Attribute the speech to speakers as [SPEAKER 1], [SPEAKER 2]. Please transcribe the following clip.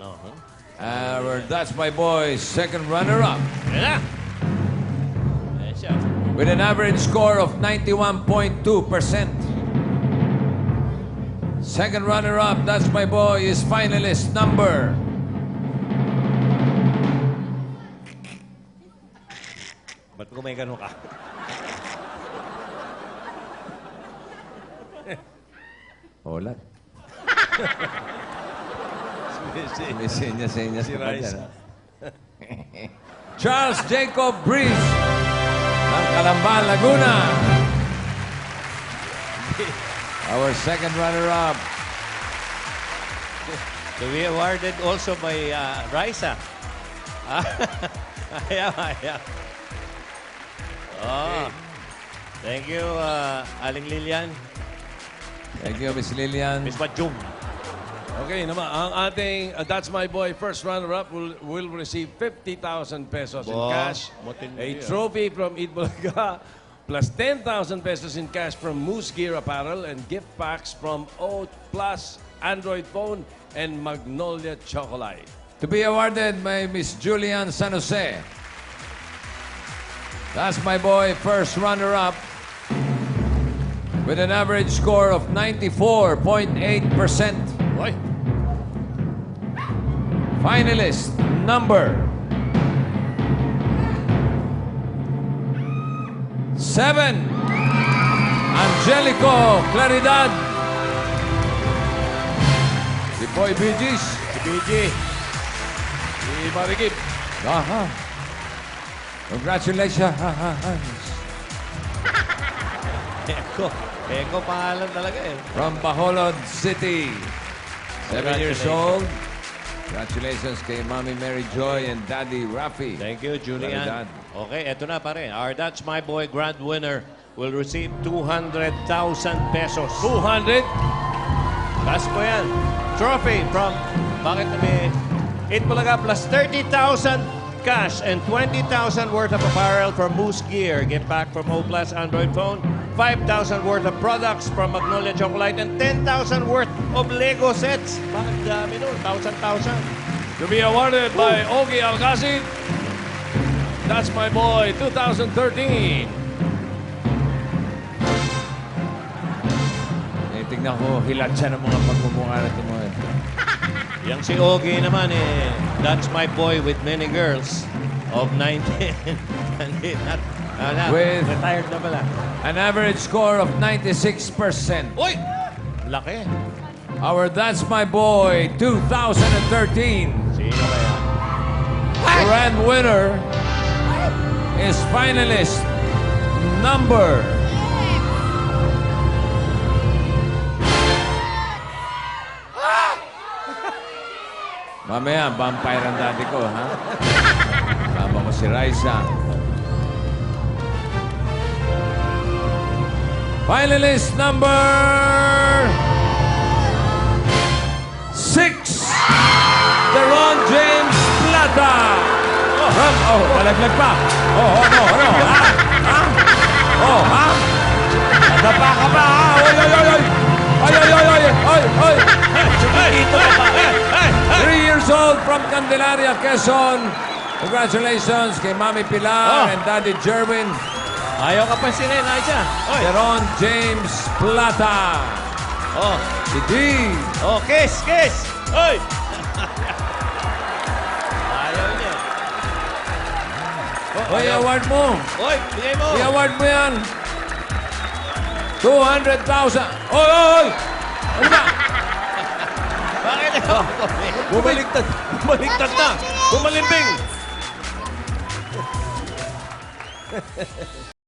[SPEAKER 1] That's My Boy, second runner-up.
[SPEAKER 2] Yan na. Ayan siya.
[SPEAKER 1] With an average score of 91.2%. Second runner-up, That's My Boy, is finalist number...
[SPEAKER 2] Ba't kung may ganun ka?
[SPEAKER 1] Hola.
[SPEAKER 2] Si
[SPEAKER 1] May senyas-senyas
[SPEAKER 2] Si
[SPEAKER 1] pa dyan,
[SPEAKER 2] Raisa.
[SPEAKER 1] ha? Charles Jacob Breeze ng Calamba, Laguna. Our second runner-up.
[SPEAKER 2] To be awarded also by Raisa. Ayan. Oh. Thank you, Aling Lilian.
[SPEAKER 1] Thank you, Miss Lilian.
[SPEAKER 2] Miss Bajum.
[SPEAKER 3] Okay naman, ang ating That's My Boy first runner-up will receive 50,000 pesos in
[SPEAKER 2] Wow,
[SPEAKER 3] cash,
[SPEAKER 2] matindi
[SPEAKER 3] a
[SPEAKER 2] yan.
[SPEAKER 3] trophy from Eat Bulaga, plus 10,000 pesos in cash from Moose Gear Apparel, and gift packs from O Plus Android phone and Magnolia Chocolate.
[SPEAKER 1] To be awarded by Miss Julian San Jose. That's My Boy, first runner-up, with an average score of 94.8%.
[SPEAKER 2] Oy.
[SPEAKER 1] Finalist number 7, Angelico Claridad. Si Boy Bee Gees.
[SPEAKER 2] Si BG.
[SPEAKER 3] Si Marikip.
[SPEAKER 1] Aha. Congratulations.
[SPEAKER 2] Eko pangalan talaga eh.
[SPEAKER 1] From Bacolod City. 7 years old. Congratulations kay Mommy Mary Joy and Daddy Rafi.
[SPEAKER 2] Thank you, Julian.
[SPEAKER 1] Claridad.
[SPEAKER 2] Okay, eto na pare. Our That's My Boy grand winner will receive 200,000 pesos.
[SPEAKER 3] 200.
[SPEAKER 2] That's po yan. Trophy from, bakit may Eat Bulaga plus 30,000 cash and 20,000 worth of apparel from Moose Gear. Get back from O Plus Android phone. 5,000 worth of products from Magnolia Chocolate and 10,000 worth of Lego sets. Bakit dami nun? 1,000.
[SPEAKER 3] To be awarded by Ogie Alcacid. That's My Boy 2013.
[SPEAKER 1] Tingnan ko, hilat siya ng mga pagmumukha natin mo.
[SPEAKER 2] Yang si Ogie naman that's my boy with many girls of 19.
[SPEAKER 1] With-
[SPEAKER 2] Retired na pala.
[SPEAKER 1] An average score of 96%.
[SPEAKER 2] Uy! Laki.
[SPEAKER 1] Our That's My Boy 2013
[SPEAKER 2] Sino kaya?
[SPEAKER 1] grand winner is finalist number... Mamaya, vampire ang daddy ko, ha? Tama ko si Raisa. Finalist number 6, Teron James Plata. Talaglag pa. No. Ha? Ha? Nadapa ka pa, ha? Oy!
[SPEAKER 2] Dito ka pa.
[SPEAKER 1] 3 years old from Candelaria, Quezon. Congratulations kay Mami Pilar and Daddy Jerwin.
[SPEAKER 2] Ayaw ka pansinin, Aisha. Oy.
[SPEAKER 1] Teron James Plata.
[SPEAKER 2] Oh.
[SPEAKER 1] Si D.
[SPEAKER 2] Oh, kiss. Oy. Ayaw niya. Oh,
[SPEAKER 1] Oy,
[SPEAKER 2] ayaw.
[SPEAKER 1] award mo.
[SPEAKER 2] Oy, bigay mo.
[SPEAKER 1] I-award mo yan. 200,000. Oy! Ano ba?
[SPEAKER 2] Bakit?
[SPEAKER 3] Bumaliktad na. Bumalimbing.